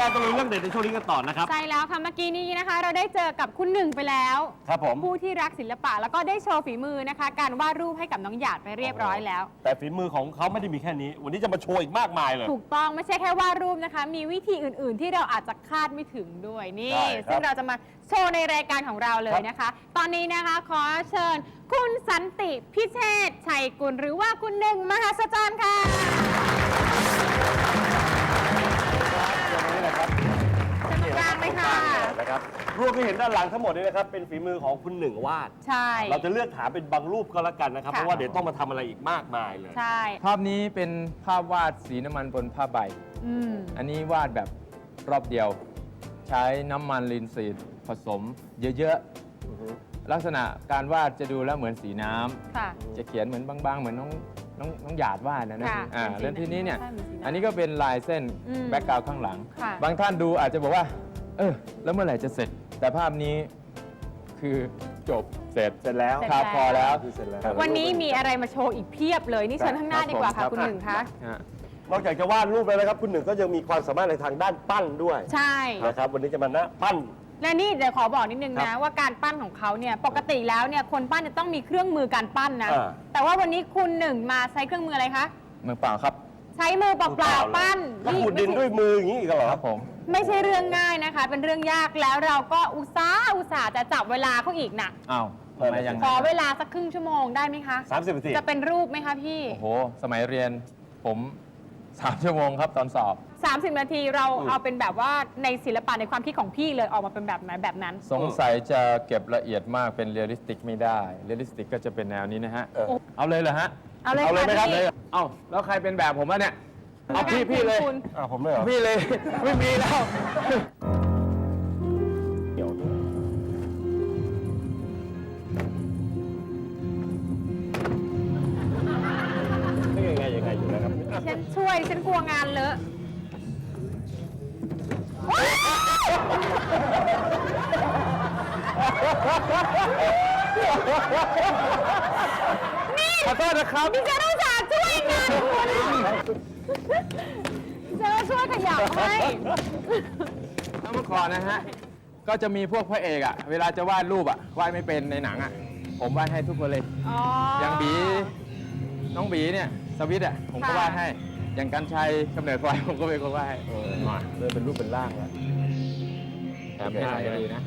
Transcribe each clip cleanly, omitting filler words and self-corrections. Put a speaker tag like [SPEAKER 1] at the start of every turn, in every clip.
[SPEAKER 1] ตะลุยเรื่องเด็ดในช่วงนี้กันต่อนะครับ
[SPEAKER 2] ใช่แล้วค่ะเมื่อกี้นี้นะคะ เราได้เจอกับคุณหนึ่งไปแล้ว
[SPEAKER 1] ครับผม
[SPEAKER 2] ผู้ที่รักศิลปะแล้วก็ได้โชว์ฝีมือนะคะ การวาดรูปให้กับน้องหยาดไปเรียบร้อยแล้ว
[SPEAKER 1] แต่ฝีมือของเขาไม่ได้มีแค่นี้ วันนี้จะมาโชว์อีกมากมายเลย
[SPEAKER 2] ถูกต้องไม่ใช่แค่วาดรูปนะคะ มีวิธีอื่น ๆ ที่เราอาจจะคาดไม่ถึงด้วยนี่
[SPEAKER 1] ใช่ครับ
[SPEAKER 2] ซึ่งเราจะมาโชว์ในรายการของเราเลยนะคะ ตอนนี้นะคะขอเชิญ คุณสันติพิเชษฐ์ชัยกุลหรือว่าคุณหนึ่งมหัศจรรย์ค่ะ
[SPEAKER 1] นี่แหละครับ
[SPEAKER 2] เชิญตรงกลางเลยค่ะ
[SPEAKER 1] นะครับรูปที่เห็นด้านหลังทั้งหมดนี้นะครับเป็นฝีมือของคุณหนึ่งวาด
[SPEAKER 2] ใช่
[SPEAKER 1] เราจะเลือกถามเป็นบางรูปก็แล้วกันนะครับ
[SPEAKER 2] ค่ะ
[SPEAKER 1] เพราะว่าเดี๋ยวต้องมาทำอะไรอีกมากมายเลย
[SPEAKER 2] ใช่
[SPEAKER 3] ภาพนี้เป็นภาพวาดสีน้ำมันบนผ้าใบ
[SPEAKER 2] อืม
[SPEAKER 3] อันนี้วาดแบบรอบเดียว ใช้น้ำมันลินซีดผสมเยอะๆ ลักษณะการวาดจะดูแล้วเหมือนสีน้ำ
[SPEAKER 2] ค่ะ
[SPEAKER 3] จะเขียนเหมือนบางๆ เหมือนน้องหยาดวาดนะ
[SPEAKER 2] ค่ะ
[SPEAKER 3] แล้วทีนี้เนี่ย
[SPEAKER 2] ใช่เหมือนสีน้ำ
[SPEAKER 3] อันนี้ก็เป็นลายเส้น
[SPEAKER 2] อืม
[SPEAKER 3] แบ็กกราวด์ข้างหลัง
[SPEAKER 2] ค่ะ
[SPEAKER 3] บางท่านดูอาจจะบอกว่า แล้วเมื่อไหร่จะเสร็จ แต่ภาพนี้คือจบเสร็จ
[SPEAKER 1] เสร็จแล้ว
[SPEAKER 2] เสร็จ
[SPEAKER 3] ครับพอแล้ว
[SPEAKER 1] เสร็จแล้ว
[SPEAKER 2] วันนี้มีอะไรมาโชว์อีกเพียบเลย นี่เชิญข้างหน้าดีกว่า
[SPEAKER 1] ครั
[SPEAKER 2] ค่ะ
[SPEAKER 1] บ
[SPEAKER 2] คุณหนึ่งคะ
[SPEAKER 3] ฮะ
[SPEAKER 1] นอกจากจะวาดรูปแล้วนะครับ คุณหนึ่งก็ยังมีความสามารถในทางด้านปั้นด้วย
[SPEAKER 2] ใช่
[SPEAKER 1] นะครับวันนี้จะมานะปั้น
[SPEAKER 2] และนี่เดี๋ยวขอบอกนิดนึง
[SPEAKER 1] ครั
[SPEAKER 2] นะ
[SPEAKER 1] บ
[SPEAKER 2] ว่าการปั้นของเขาเนี่ยปกติแล้วเนี่ยคนปั้นจะต้องมีเครื่องมือการปั้นนะ
[SPEAKER 1] อ่า
[SPEAKER 2] แต่ว่าวันนี้คุณหนึ่งมาใช้เครื่องมืออะไรคะ
[SPEAKER 3] มือเปล่าครับ
[SPEAKER 2] ใช้มือเปล่าๆปั้น
[SPEAKER 1] แล้วขุดดินด้วยมืออย่างนี้อีกเหรอ
[SPEAKER 3] ครับผม
[SPEAKER 2] ไม่ใช่เรื่องง่ายนะคะ เป็นเรื่องยากแล้วเราก็อุตส่าห์จะจับเวลาเขาอีกนะ
[SPEAKER 3] อ้าวทำไมยังไง
[SPEAKER 2] ขอเวลาสักครึ่งชั่วโมงได้ไหมคะ
[SPEAKER 1] 30 นาที
[SPEAKER 2] จะเป็นรูปไหมคะพี่
[SPEAKER 3] โอ้โห สมัยเรียนผม3 ชั่วโมงครับตอนสอบ
[SPEAKER 2] 30 นาทีเราเอาเป็นแบบว่าในศิลปะในความคิดของพี่เลยออกมาเป็นแบบไหนแบบนั้น
[SPEAKER 3] สงสัยจะเก็บละเอียดมากเป็นเรียลลิสติกไม่ได้เรียลลิสติกก็จะเป็นแนวนี้นะฮะ เอาเลยเหรอฮะ
[SPEAKER 2] เอาเลย
[SPEAKER 1] เอาเลยไหมครับ
[SPEAKER 2] พี่
[SPEAKER 3] เอาแล้วใครเป็นแบบผมวะเนี่ย เอาพี่เลย
[SPEAKER 2] คุณ
[SPEAKER 1] ผมเลยเหรอ
[SPEAKER 3] พี่เลย ไม่มีแล้ว
[SPEAKER 1] เดี๋ยวนี่ยังไงอยู่นะครับ
[SPEAKER 2] ฉันช่วยฉันกลัวงานเลอะ
[SPEAKER 3] ขอโทษนะครับ
[SPEAKER 2] ดิฉันต้องจากช่วยงานคุณเจอช่วยขยับให้
[SPEAKER 3] เมื่อก่อนนะฮะ ก็จะมีพวกพระเอกอะเวลาจะวาดรูปอะวาดไม่เป็นในหนังอะผมวาดให้ทุกคนเลย
[SPEAKER 2] อ๋อ
[SPEAKER 3] อย่างบี น้องบีเนี่ยสวิตอะผมก็
[SPEAKER 2] ค่ะ
[SPEAKER 3] วาดให้ อย่างกันชัยกำเนิดไฟผมก็เป็นคนวาดให้มาเริ่มเป็นรูปเป็นร่างแล้วแถมให้หน่อยก็ดีนะ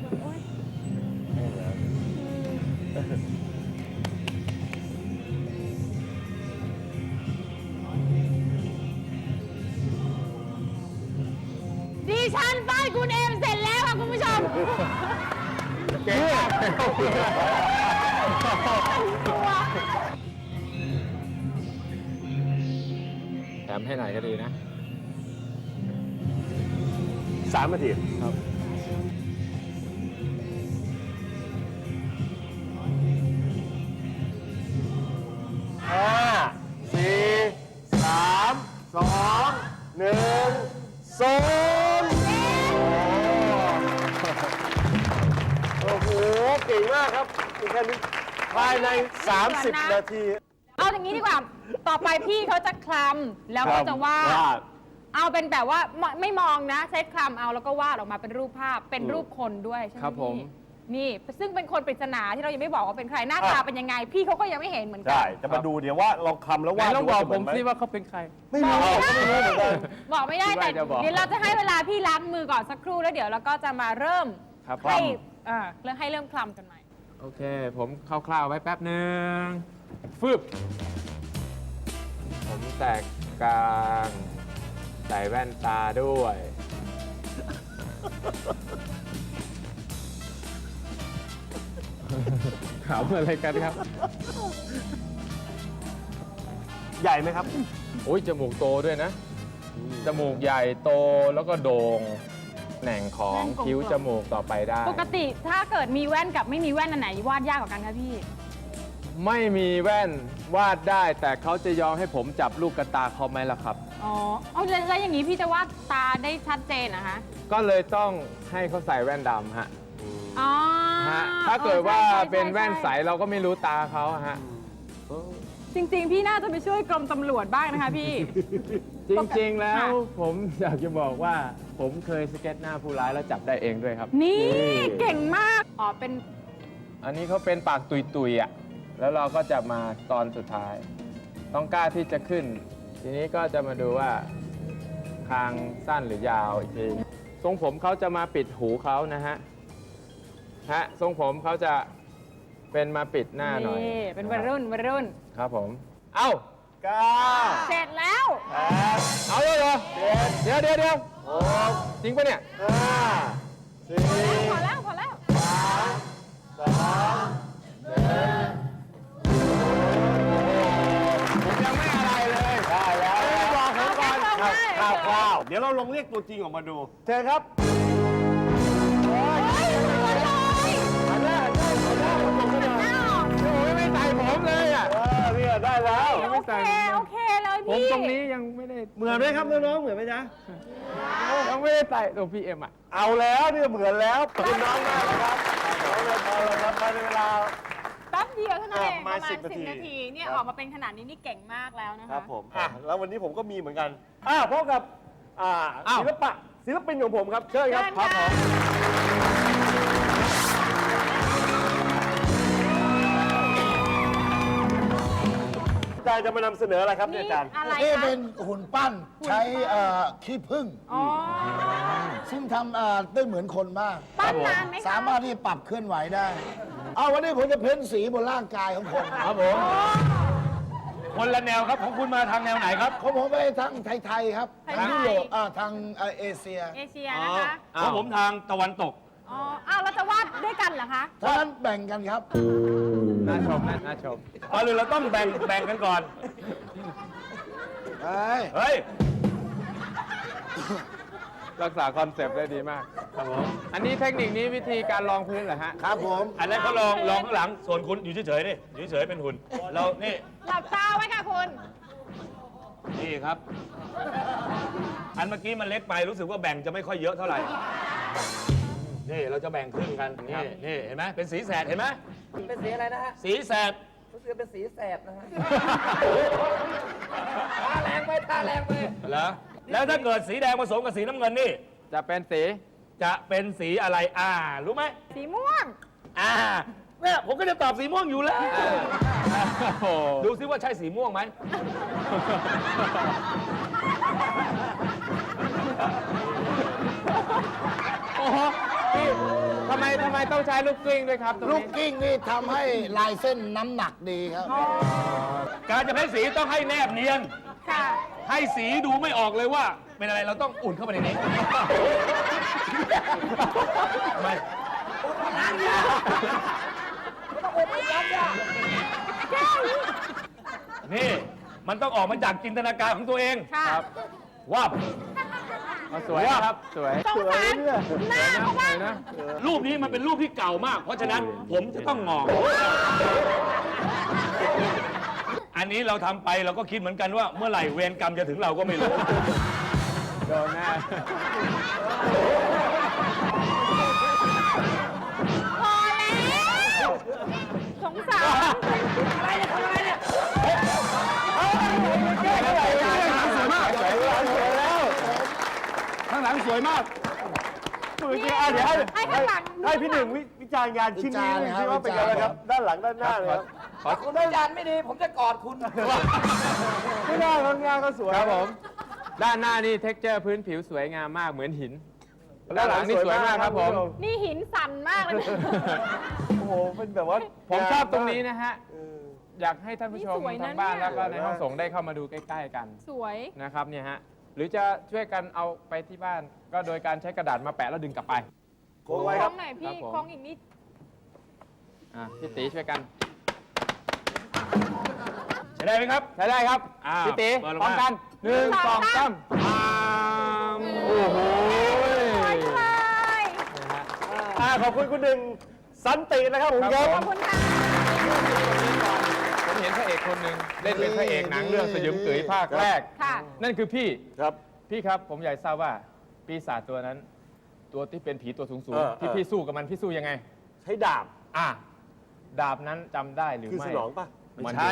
[SPEAKER 2] ดิฉันป้ายคุณเอมเสร็จแล้วค่ะคุณผู้ชม
[SPEAKER 3] เก่งมากแถมให้หน่อยก็ดีนะ
[SPEAKER 1] 3 นาที
[SPEAKER 3] ครับ
[SPEAKER 1] 5 4 3 2 1 0โอ้โห เก่งมากครับแค่นี้ภายใน 30 นาที
[SPEAKER 2] เอาอย่างนี้ดีกว่า ต่อไปพี่เขาจะคลำแล้วก็จะวาด เอาเป็นแบบว่าไม่มองนะ ใช้คลำเอาแล้วก็วาดออกมาเป็นรูปภาพ เป็นรูปคนด้วยใช่ไหม
[SPEAKER 3] ครับผม
[SPEAKER 2] พี่นี่ ซึ่งเป็นคนปริศนาที่เรายังไม่บอกว่าเป็นใคร หน้าตาเป็นยังไง พี่เขาก็ยังไม่เห็นเหมือนกั
[SPEAKER 1] ใช่ จะมาดูเดี๋ยวว่าลองคำแล้ว
[SPEAKER 3] ไหน
[SPEAKER 1] วาด
[SPEAKER 3] ลองบอกผมสิ
[SPEAKER 1] ว่า
[SPEAKER 3] ว่าเขาเป็นใคร
[SPEAKER 1] ไม่รู้ก็ไม่รู้เหมือนกัน
[SPEAKER 2] บอกไม่ได้
[SPEAKER 3] คิด
[SPEAKER 2] แต่
[SPEAKER 3] ว่าจะบอก
[SPEAKER 2] เดี๋ยวเราจะให้เวลาพี่ล้างมือก่อนสักครู่แล้วเดี๋ยวเราก็จะมาเริ่ม
[SPEAKER 3] ครับ
[SPEAKER 2] ให้เริ่มให้เริ่มคลำกันใหม่
[SPEAKER 3] โอเค ผมคร่าวๆไว้แป๊บหนึ่งฟึบผมแตกกลางใส่แว่นตาด้วย ขำอะไรกันครับ
[SPEAKER 1] ใหญ่ไหมครับ
[SPEAKER 3] โอ้ยจมูกโตด้วยนะ จมูกใหญ่โตแล้วก็โด่งแหน่งของ
[SPEAKER 2] แว่นกลมๆ
[SPEAKER 3] คิ้วจมูกต่อไปได้
[SPEAKER 2] ปกติถ้าเกิดมีแว่นกับไม่มีแว่นอันไหนวาดยากกว่ากันคะพี่
[SPEAKER 3] ไม่มีแว่นวาดได้ แต่เขาจะยอมให้ผมจับลูกกระตาเขาไหมล่ะครับ
[SPEAKER 2] อ๋อเอาแล้วอย่างนี้พี่จะวาดตาได้ชัดเจนนะคะ
[SPEAKER 3] ก็เลยต้องให้เขาใส่แว่นดำฮะ
[SPEAKER 2] อ๋อ
[SPEAKER 3] ฮะถ้าเกิดว่า
[SPEAKER 2] ใช่
[SPEAKER 3] เป็นแว่นใสเราก็ไม่รู้ตาเขาฮะ
[SPEAKER 2] จริง ๆ พี่น่าจะไปช่วยกรมตำรวจบ้างนะคะพี่
[SPEAKER 3] จริงๆ แล้ว
[SPEAKER 2] ค่ะ
[SPEAKER 3] ผมอยากจะบอกว่าผมเคยสเก็ตหน้าผู้ร้ายแล้วจับได้เองด้วยครับ
[SPEAKER 2] นี่เก่งมาก อ๋อ เป็น
[SPEAKER 3] อันนี้เขาเป็นปากตุยๆอ่ะ แล้วเราก็จะมาตอนสุดท้าย ต้องกล้าที่จะขึ้น ทีนี้ก็จะมาดูว่าคางสั้นหรือยาวอีกทีทรงผมเขาจะมาปิดหูเขานะฮะทรงผมเขาจะเป็นมาปิดหน้าหน่อย
[SPEAKER 2] นี่ เป็นวัยรุ่นวัยรุ่น
[SPEAKER 3] ครับผม เอ้า
[SPEAKER 2] เสร็จแล้ว
[SPEAKER 3] เอาเลยเหรอเดี๋ยวจริงปะเนี่ย
[SPEAKER 2] พอแล้วพอแล้ว
[SPEAKER 3] ผมยังไม่อะไรเลย
[SPEAKER 1] ได้แล้วบอกผมก่อน
[SPEAKER 2] เอาแค่ส่งให้
[SPEAKER 1] คร่าวๆเดี๋ยวเราลองเรียกตัวจริงออกมาดูเชิญครับ
[SPEAKER 2] เฮ้ยเหมือนเลย
[SPEAKER 1] หันหน้าผมก็ได้
[SPEAKER 2] อ้าว
[SPEAKER 3] โอ้ยไม่ใส่ผมเลยอ่ะ
[SPEAKER 1] เนี่ยได้แล้ว
[SPEAKER 2] โอเคโอเคเลย
[SPEAKER 3] ผม
[SPEAKER 2] พี่
[SPEAKER 3] ตรงนี้ยังไม่ได้
[SPEAKER 1] เหมือนไหมครับน้องๆเหมือนไหมจ๊ะ
[SPEAKER 3] ยังไม่ได้ใส่ตัวพีเอ็มอ่ะ
[SPEAKER 1] เอาแล้วเนี่ยเหมือนแล้วขอบคุณน้องมากนะครับเอาเลยพอเลยครับภายในเวลา
[SPEAKER 2] แป๊บเดียวเท่านั้นเองป
[SPEAKER 1] มา
[SPEAKER 2] ระมาณ
[SPEAKER 1] 10
[SPEAKER 2] 10 นาที เนี่ย
[SPEAKER 1] ครับ
[SPEAKER 2] ออกมาเป็นขนาดนี้นี่เก่งมากแล้วนะคะ
[SPEAKER 1] ครับผมแล้ววันนี้ผมก็มีเหมือนกันพบกับ
[SPEAKER 3] อ้าว
[SPEAKER 1] ศิลปินของผมครับเชิญครับ
[SPEAKER 2] เชิญค่ะ
[SPEAKER 1] อาจารย์จะมานำเสนออะไรครับเนี่ย
[SPEAKER 2] นี่
[SPEAKER 1] อาจารย์
[SPEAKER 2] อะไร
[SPEAKER 4] นี่
[SPEAKER 2] คะ
[SPEAKER 4] เป็นหุ่นปั้นใช้ขี้ผึ้ง
[SPEAKER 2] อ๋อ
[SPEAKER 4] ซึ่งทำได้เหมือนคนมาก
[SPEAKER 2] ปั้นนานไหมคะ
[SPEAKER 4] สามารถที่จะปรับเคลื่อนไหวได้ เอาวันนี้ผมจะเพ้นสีบนร่างกายของคน
[SPEAKER 1] ครับผม คนละแนวครับของคุณมาทางแนวไหนครับ
[SPEAKER 4] ของผมไปทางไทยๆครับ
[SPEAKER 2] ไทยๆ
[SPEAKER 4] ทางยุโรปทางเอเชีย
[SPEAKER 2] เอเชียนะคะ
[SPEAKER 1] ของผมทางตะวันตก
[SPEAKER 2] อ๋อ อ้าวเราจะวาดด้วยกันเหรอคะ
[SPEAKER 4] เพราะฉะนั้นแบ่งกันครับ
[SPEAKER 3] น่าชมน่าชม
[SPEAKER 1] ก่อนอื่นเราต้องแบ่งกันก่อน เฮ้ย
[SPEAKER 3] รักษาคอนเซปต์ได้ดีมาก
[SPEAKER 1] ครับผม
[SPEAKER 3] อันนี้เทคนิคนี้วิธีการรองพื้นเหรอฮะ
[SPEAKER 4] ครับผม
[SPEAKER 1] อันนั้นเขาลองข้างหลัง ส่วนคุณอยู่เฉยๆดิอยู่เฉยๆเป็นหุ่น เรา นี่
[SPEAKER 2] หลับตาไว้ค่ะคุณ
[SPEAKER 1] นี่ครับ อันเมื่อกี้มันเล็กไปรู้สึกว่าแบ่งจะไม่ค่อยเยอะเท่าไหร่ นี่เราจะแบ่งครึ่งกัน นี่เห็นไหมเป็นสีแสดเห็นไหม
[SPEAKER 5] เป็นสีอะไรนะฮะ
[SPEAKER 1] สีแสด
[SPEAKER 5] รู้สึกเป็นสีแสบนะฮะ ทาแรงไปทาแรงไป
[SPEAKER 1] เหรอ แล้วถ้าเกิดสีแดงผสมกับสีน้ำเงินนี่
[SPEAKER 3] จะเป็นสี
[SPEAKER 1] จะเป็นสีอะไร รู้ไหม
[SPEAKER 2] สีม่วง
[SPEAKER 1] เนี่ยผมก็จะตอบสีม่วงอยู่แล้ว
[SPEAKER 3] โอ้โห
[SPEAKER 1] ดูซิว่าใช่สีม่วงไหม
[SPEAKER 3] โอ้โหพี่ทำไมต้องใช้ลูกกลิ้งด้วยครับตรง
[SPEAKER 4] ลูก
[SPEAKER 3] นี้
[SPEAKER 4] กิ้งนี่ทำให้ลายเส้นน้ำหนักดีครับ
[SPEAKER 1] การจะเพ้นสีต้องให้แนบเนียน
[SPEAKER 2] ค่ะ
[SPEAKER 1] ให้สีดูไม่ออกเลยว่า เป็นอะไรเราต้องอุ่นเข้าไปในนี้ทำไมนี่มันต้องออกมาจากจินตนาการของตัวเอง
[SPEAKER 2] ค่ะ
[SPEAKER 3] ครับ
[SPEAKER 1] ว่าบ
[SPEAKER 3] มาสวยนะครับ สวย
[SPEAKER 2] สงสารหน้าเขา
[SPEAKER 3] ส
[SPEAKER 2] บ้า
[SPEAKER 3] วย
[SPEAKER 2] ง
[SPEAKER 3] นะ
[SPEAKER 1] รูปนี้มันเป็นรูปที่เก่ามาก เพราะฉะนั้นผมจะต้องงอ อันนี้เราทำไปเราก็คิดเหมือนกันว่าเมื่อไหร่เวรกรรมจะถึงเราก็ไม่รู้
[SPEAKER 3] โดนแน่
[SPEAKER 2] พอแล้ว สงสาร
[SPEAKER 5] อะไรเนี่ยทำอะไรเนี่ย
[SPEAKER 1] สวยมากข้างหลังสวยมาก
[SPEAKER 2] เดี๋ยวให้ข้างหลัง
[SPEAKER 1] ให้พี่หนึ่งวิจารณ์งานชิ้นนี้ดูสิว่าเป็นยังไงครับ ด้านหลังด้านหน้าเลยครับ
[SPEAKER 5] คุณอาจารย์ไม่ดี ผมจะกอดคุณ
[SPEAKER 1] ไม่ได้ครับงานก็สวย
[SPEAKER 3] ครับผม ด้านหน้านี่เท็กเจอร์พื้นผิวสวยงามมากเหมือนหิน ด้านหลังนี่สวยมากครับผม
[SPEAKER 2] นี่หินสั่นมากเลยนะ
[SPEAKER 1] โอ้โหเป็นแบบว่า
[SPEAKER 3] ผมชอบตรงนี้นะฮะ
[SPEAKER 1] เออ
[SPEAKER 3] อยากให้ท่านผู้ชม
[SPEAKER 2] นี่สวยนะ
[SPEAKER 3] ทางบ้าน
[SPEAKER 2] เนี่ย
[SPEAKER 3] แล้วก็ในห้องส่งได้เข้ามาดูใกล้ ๆ กัน
[SPEAKER 2] สวย
[SPEAKER 3] นะครับเนี่ยฮะ หรือจะช่วยกันเอาไปที่บ้าน ก็โดยการใช้กระดาษมาแปะแล้วดึงกลับไป
[SPEAKER 1] โค้งไว้
[SPEAKER 2] ค
[SPEAKER 1] ค
[SPEAKER 2] ล้
[SPEAKER 1] รั
[SPEAKER 2] อบ งหน่อยพี่
[SPEAKER 3] ครับผม
[SPEAKER 2] คล้องอีกนิด
[SPEAKER 3] พี่ตีช่วยกัน
[SPEAKER 1] ใช้ได้ไหมครับ
[SPEAKER 3] ใช้ได้ครับ พี่ตี
[SPEAKER 1] เปิดลง
[SPEAKER 3] พร้อม
[SPEAKER 1] มา
[SPEAKER 3] กันหนึ่งสองสามโอ้โห
[SPEAKER 2] สวยเลย
[SPEAKER 3] นะฮะ
[SPEAKER 1] ขอบคุณคุณหนึ่งสันตินะครับผมครับ
[SPEAKER 2] ขอบคุณค่ะ
[SPEAKER 3] ผมเห็นพระเอกคนหนึ่งเล่นเป็นพระเอกหนังเรื่องสยมกึ๋ยภาคแรก
[SPEAKER 2] ค่ะ
[SPEAKER 3] นั่นคือพี่
[SPEAKER 1] ครับ
[SPEAKER 3] พี่ครับผมอยากทราบว่าปีศาจตัวนั้น ตัวที่เป็นผีตัวสูง
[SPEAKER 1] เออ
[SPEAKER 3] ๆที่พี่สู้กับมันพี่สู้ยังไง
[SPEAKER 1] ใช้ดาบ
[SPEAKER 3] ดาบนั้นจำได้หรือ
[SPEAKER 1] คือ
[SPEAKER 3] ไม่
[SPEAKER 1] สนองป่ะไม่ใช่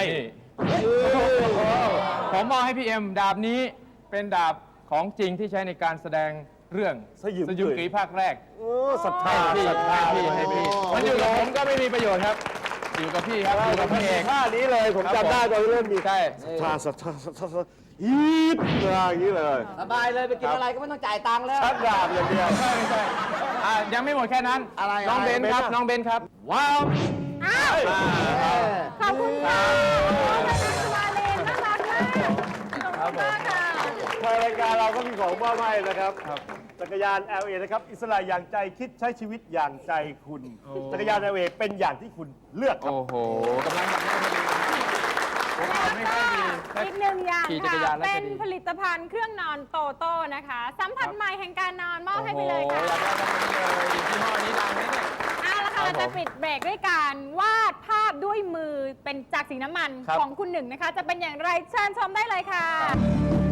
[SPEAKER 3] ผมมอบให้พี่เอ็มดาบนี้เป็นดาบของจริงที่ใช้ในการแสดงเรื่อง
[SPEAKER 6] สยิว
[SPEAKER 3] สยุมกรีภาคแรก
[SPEAKER 6] โอ้ศรัทธา
[SPEAKER 3] ให้พี่
[SPEAKER 6] ศรัทธา
[SPEAKER 3] ให้พี่มันอยู่กับผมก็ไม่มีประโยชน์ครับ อยู่กับพี่ครับอยู่กับพระเอก
[SPEAKER 6] ท่านี้เลยผมจำได้ตอนเล่นมี
[SPEAKER 3] ใช่
[SPEAKER 6] ศรัทธาศรัทธาศรัทธาฮีดอย่างนี้เลย
[SPEAKER 5] สบายเลยไปกินอะไรก็ไม่ต้องจ่ายตังค์แล้ว
[SPEAKER 6] ชักดาบอย่างเดียว
[SPEAKER 3] ไม่ใช่ยังไม่หมดแค่นั้น
[SPEAKER 4] อะไร
[SPEAKER 3] น้องเบนครับ น้องเบนครับ ว้าว
[SPEAKER 2] อ้าวขอบคุณค่ะน้องนันทวาเลนน่ารักมากขอบคุณมากค่ะ
[SPEAKER 6] ทางรายการเราก็มีของมอบให้นะครับ จักรยาน LA นะครับ อิสระอย่างใจคิดใช้ชีวิตอย่างใจคุณ จักรยาน LA เป็นอย่างที่คุณเลือกครับ
[SPEAKER 3] โอ้โหกำลังแบบนี้พอดีผมขับไม่ค่อยดี
[SPEAKER 2] อีกหนึ่งอย่าง
[SPEAKER 3] ขี่จักร
[SPEAKER 2] ค่ะ
[SPEAKER 3] ยานแล้ว
[SPEAKER 2] เป็
[SPEAKER 3] จะ
[SPEAKER 2] น
[SPEAKER 3] ดี
[SPEAKER 2] ผลิตภัณฑ์เครื่องนอนโตโต้นะคะ สัมผัสใหม่แห่งการนอนมอบให้ไปเลยค่ะ
[SPEAKER 3] โอ้โหอยากได้แบบนี้เลยยี่ห้อนี้ดังไหมเนี่ย
[SPEAKER 2] เอาละค่ะ
[SPEAKER 3] ครับผม
[SPEAKER 2] เราจะปิดเบรกด้วยการวาดภาพด้วยมือเป็นจากสีน้ำมัน
[SPEAKER 3] ครับ
[SPEAKER 2] ของคุณหนึ่งนะคะ จะเป็นอย่างไรเชิญชมได้เลยค่ะ